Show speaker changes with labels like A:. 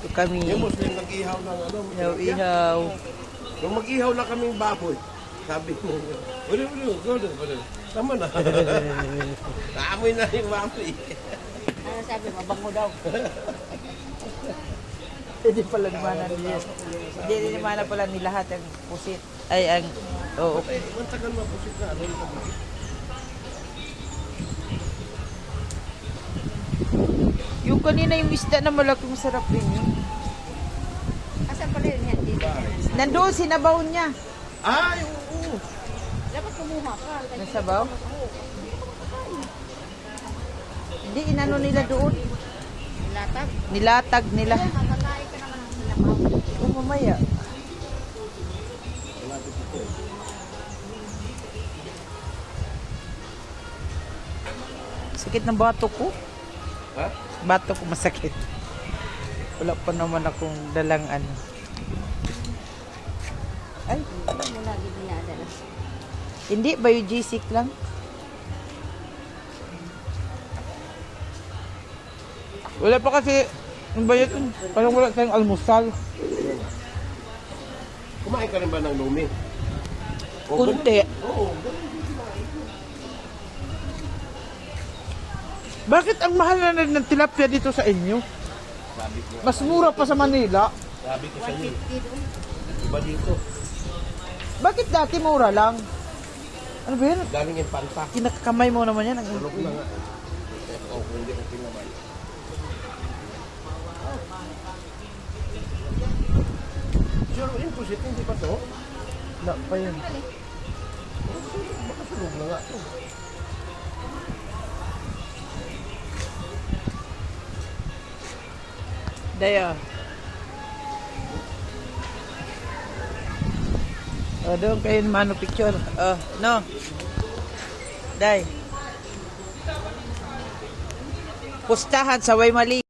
A: kami.
B: Yung Muslim nag-ihaw ng ano.
A: Ihaw-ihaw.
B: Nung mag-ihaw na kaming baboy, sabi mo, wala. Tama na. Naamoy na yung baboy.
C: Ano sabi, mabango daw.
A: Hindi pala naman nila. Hindi naman pala ni lahat ang pusit. Ay, ang... Oo.
B: Ang tagal mapusit na. Ano yung pabusit?
A: Yung kanina yung isda na malaki, masarap rin yun.
C: Asan pala yun yan? Dito.
A: Nandoon, sinabaw niya.
B: Ay, oo.
C: Dapat kumuha ka.
A: Nasabaw? Hindi, inano nila doon.
C: Latag.
A: Nilatag nila.
C: Makakain ka naman ng sinamaw.
A: O, mamaya. Sakit ng bato ko.
B: Ha?
A: Bato ko masakit. Wala pa naman akong dalang ano. Ay,
C: Ano mo lagi dinadala?
A: hindi. Biogesic lang. Wala pa kasi yung bayad yun. Parang wala tayong almusal.
B: Kumain ka rin ba ng lumi?
A: Kunti.
B: Oo.
A: Bakit ang mahal na ng tilapia dito sa inyo?
B: Sabi ko.
A: Mas mura pa sa Manila.
B: Sabi ko sa iyo.
C: 150 doon.
B: Iba dito.
A: Bakit dati mura lang? Ano ba yun?
B: Galing yung panta.
A: Kinakakamay mo naman yan.
B: Tulog na nga. Oo, kung hindi ko pinamay. Sure, yung pusit, hindi pa to?
A: Wala pa yun.
B: Baka sunog na nga to.
A: Daya. O, doon kayo mano picture. No. Day. Pustahan sa Waymali.